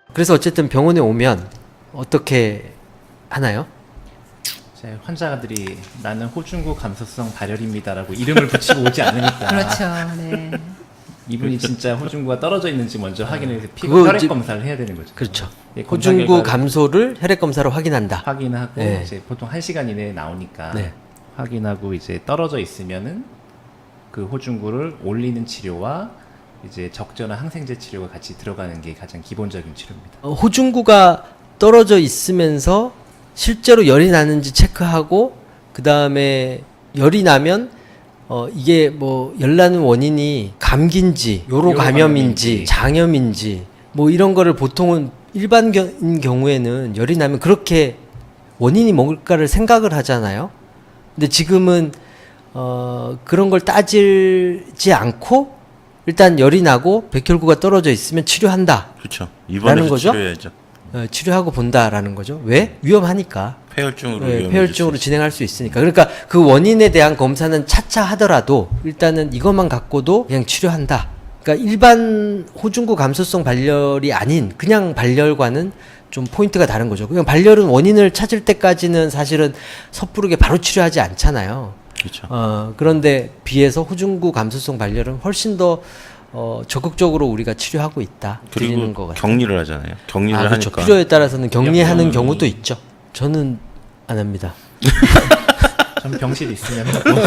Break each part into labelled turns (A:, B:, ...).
A: 그래서 어쨌든 병원에 오면 어떻게 하나요?
B: 제 환자들이 나는 호중구 감소성 발열입니다라고 이름을 붙이고 오지 않으니까
C: 그렇죠. 네.
B: 이분이 진짜 호중구가 떨어져 있는지 먼저 확인해서 피부
A: 그거
B: 혈액
A: 이제-
B: 검사를 해야 되는 거죠.
A: 그렇죠.
B: 예, 검사
A: 호중구
B: 결과를
A: 감소를 혈액 검사로 확인한다.
B: 확인하고
A: 네.
B: 이제 보통 1시간 이내에 나오니까
A: 네.
B: 확인하고 이제 떨어져 있으면은 그 호중구를 올리는 치료와 이제 적절한 항생제 치료가 같이 들어가는 게 가장 기본적인 치료입니다.
A: 호중구가 떨어져 있으면서 실제로 열이 나는지 체크하고 그 다음에 열이 나면 이게 뭐 열 나는 원인이 감기인지 요로 감염인지 장염인지 뭐 이런 거를 보통은 일반인 경우에는 열이 나면 그렇게 원인이 뭘까를 생각을 하잖아요. 근데 지금은 그런 걸 따지지 않고 일단 열이 나고 백혈구가 떨어져 있으면 치료한다.
D: 그렇죠.
A: 라는
D: 입원해서
A: 거죠?
D: 치료해야죠.
A: 치료하고 본다라는 거죠. 왜? 위험하니까.
D: 폐혈증으로
A: 폐혈증으로 진행할 수 있으니까. 그러니까 그 원인에 대한 검사는 차차 하더라도 일단은 이것만 갖고도 그냥 치료한다. 그러니까 일반 호중구 감소성 발열이 아닌 그냥 발열과는 좀 포인트가 다른 거죠. 그냥 발열은 원인을 찾을 때까지는 사실은 섣부르게 바로 치료하지 않잖아요.
D: 그렇죠.
A: 그런데 비해서 호중구 감소성 발열은 훨씬 더 적극적으로 우리가 치료하고 있다. 드리는 것
D: 그리고
A: 같아요.
D: 격리를 하잖아요. 격리를
A: 그렇죠.
D: 하니까
A: 필요에 따라서는 격리하는
B: 병원이-
A: 경우도 있죠. 저는 안 합니다.
B: 전 병실 있으면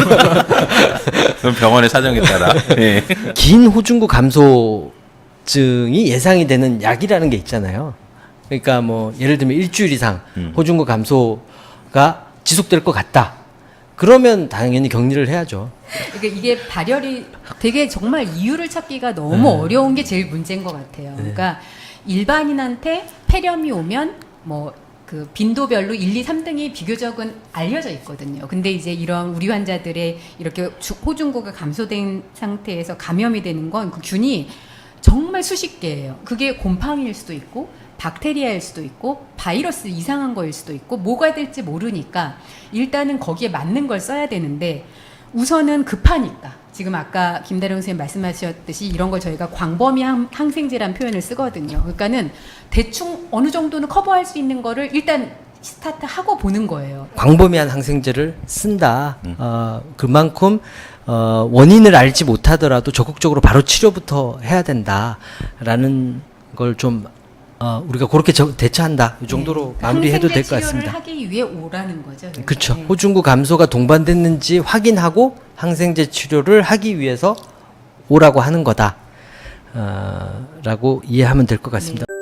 D: 그럼 병원의 사정에 따라. 예.
A: 긴 호중구 감소증이 예상이 되는 약이라는 게 있잖아요. 그러니까 뭐 예를 들면 일주일 이상 호중구 감소가 지속될 것 같다. 그러면 당연히 격리를 해야죠.
C: 그러니까 이게 발열이 되게 정말 이유를 찾기가 너무 어려운 게 제일 문제인 것 같아요. 그러니까 일반인한테 폐렴이 오면 뭐 그 빈도별로 1, 2, 3등이 비교적은 알려져 있거든요. 근데 이제 이런 우리 환자들의 이렇게 호중구가 감소된 상태에서 감염이 되는 건 그 균이 정말 수십 개예요. 그게 곰팡이일 수도 있고 박테리아일 수도 있고 바이러스 이상한 거일 수도 있고 뭐가 될지 모르니까 일단은 거기에 맞는 걸 써야 되는데 우선은 급하니까 지금 아까 김다령 선생님 말씀하셨듯이 이런 걸 저희가 광범위 항생제란 표현을 쓰거든요. 그러니까는 대충 어느 정도는 커버할 수 있는 거를 일단 스타트하고 보는 거예요.
A: 광범위한 항생제를 쓴다. 그만큼 원인을 알지 못하더라도 적극적으로 바로 치료부터 해야 된다라는 걸 좀 우리가 그렇게 대처한다. 이 정도로 마무리해도 될 것
C: 항생제
A: 같습니다.
C: 치료를 하기 위해 오라는 거죠.
A: 그렇죠.
C: 네.
A: 호중구 감소가 동반됐는지 확인하고 항생제 치료를 하기 위해서 오라고 하는 거다. 라고 이해하면 될 것 같습니다.